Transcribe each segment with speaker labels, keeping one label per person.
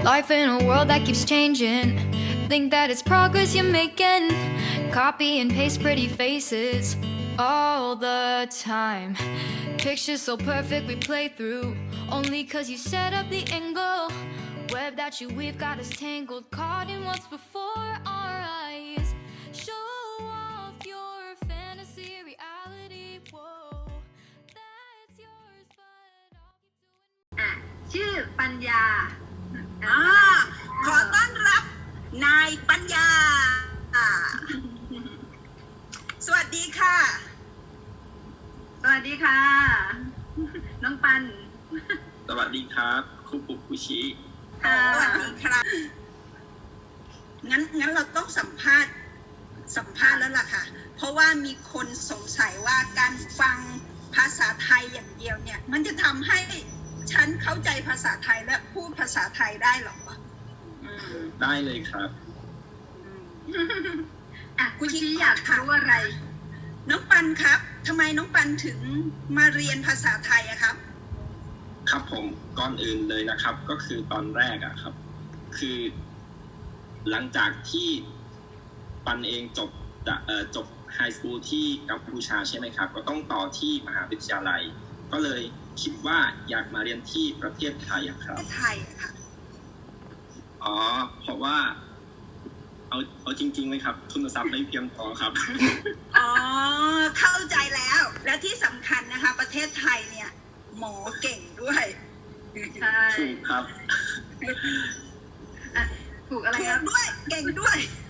Speaker 1: Life in a world that keeps changing. Think that it's progress you're making. Copy and paste pretty faces all the time. Pictures so perfect we play through. Only cause you set up the angle. Web that you weave got us tangled. Caught in what's before our eyes. Show off your fantasy reality. Whoa, that's yours, but I'll keep doing.
Speaker 2: ชื่อปัญญา
Speaker 3: ขอต้อนรับนายปัญญา สวัสดีค่ะ
Speaker 2: สวัสดีค่ะ น้องปัน
Speaker 4: สวัสดีครับครูปุกคุชิ
Speaker 2: ค่ะ
Speaker 3: สวัสดีครับงั้นเราต้องสัมภาษณ์แล้วล่ะค่ะ เพราะว่ามีคนสงสัยว่าการฟังภาษาไทยอย่างเดียวเนี่ย มันจะทำให้ฉันเข้าใจภาษาไทยและพูดภาษาไทยได้หรอวะ
Speaker 4: ได้เลยครับ
Speaker 2: คุณชี้อยากรู้อะไร
Speaker 3: น้องปันครับทำไมน้องปันถึงมาเรียนภาษาไทยอะครับ
Speaker 4: ครับผมก่อนอื่นเลยนะครับ ก็คือตอนแรกอะครับ คือหลังจากที่ปันเองจบไฮสคูลที่กัมพูชาใช่ไหมครับก็ต้องต่อที่มหาวิทยาลัย ก็เลยคิดว่าอยากมาเรียนที่ประเทศไทยอะครับ
Speaker 3: ไทยค่ะ
Speaker 4: อ๋อเพราะว่าเอาจริงๆเลยครับทุนทรัพย์ไม่เพียงพอครับ
Speaker 3: อ๋อเข้าใจแล้ว และที่สำคัญนะคะ ประเทศไทยเนี่ย หมอเก่งด้วย
Speaker 2: ใช่
Speaker 4: ถูกครับ
Speaker 2: ถูกอะไร
Speaker 3: ถู
Speaker 2: ครั
Speaker 3: ก
Speaker 2: บ
Speaker 3: ด้วยเก่งด้วย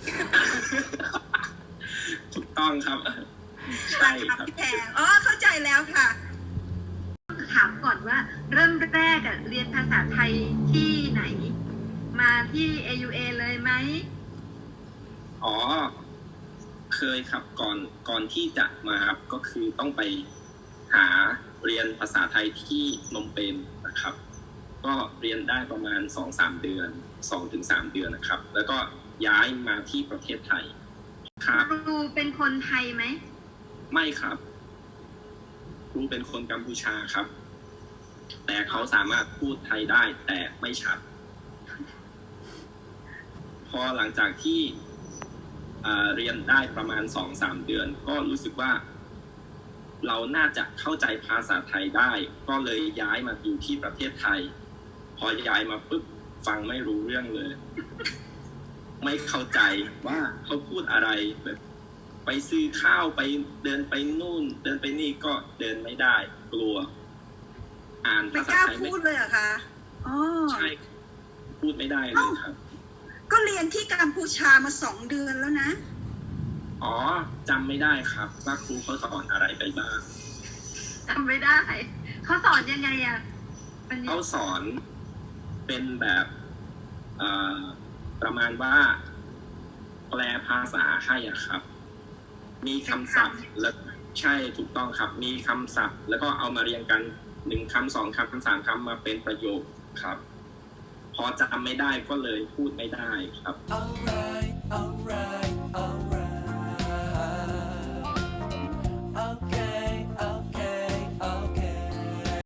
Speaker 4: ถูกต้องครับ
Speaker 3: ใช่ครับพี่แพงอ๋อเข้าใจแล้วค่ะ
Speaker 2: ถามก่อนว่าเริ่มแรกเรียนภาษาไทยที่ไหน มาที่ AUA เลยไหม
Speaker 4: อ๋อเคยครับก่อนที่จะมาครับก็คือต้องไปหาเรียนภาษาไทยที่นมเปญนะครับ ก็เรียนได้ประมาณ 2-3 เดือน 2-3 เดือนนะครับ แล้วก็ย้ายมาที่ประเทศไทยครับ
Speaker 2: ครูเป็นคนไทยไหม
Speaker 4: ไม่ครับครูเป็นคนกัมพูชาครับ แต่เขาสามารถพูดไทยได้แต่ไม่ชัด พอหลังจากที่เรียนได้ประมาณ 2-3 เดือน ก็รู้สึกว่าเราน่าจะเข้าใจภาษาไทยได้ ก็เลยย้ายมาอยู่ที่ประเทศไทย พอย้ายมาปุ๊บฟังไม่รู้เรื่องเลย ไม่เข้าใจว่าเขาพูดอะไรแบบไปซื้อข้าวไปเดินไปนู่น เดินไปนี่ก็เดินไม่ได้ กลัว อ่าน
Speaker 3: ไม่
Speaker 4: ภาก ษา
Speaker 3: ล้า
Speaker 4: ไทย
Speaker 3: พูดเลยเหรอคะอ๋อ
Speaker 4: ใช่พูดไม่ได้เลยครับ
Speaker 3: ก็เรียนที่กัมพูชามา2 เดือนแล้วนะ
Speaker 4: อ๋อจำไม่ได้ครับว่าครูเขาสอนอะไรไปบ้าง
Speaker 2: จำไม่ได้ เขาสอนยังไงปัญญา
Speaker 4: เขาสอนเป็นแบบประมาณว่าแปลภาษาให้อะครับ มีคำศัพท์และใช่ถูกต้องครับ มีคำศัพท์ แล้วก็เอามาเรียงกัน1 คำ 2 คำ 3 คำมาเป็นประโยคครับ พอจำไม่ได้ก็เลยพูดไม่ได้ครับ
Speaker 5: Alright, alright, alright.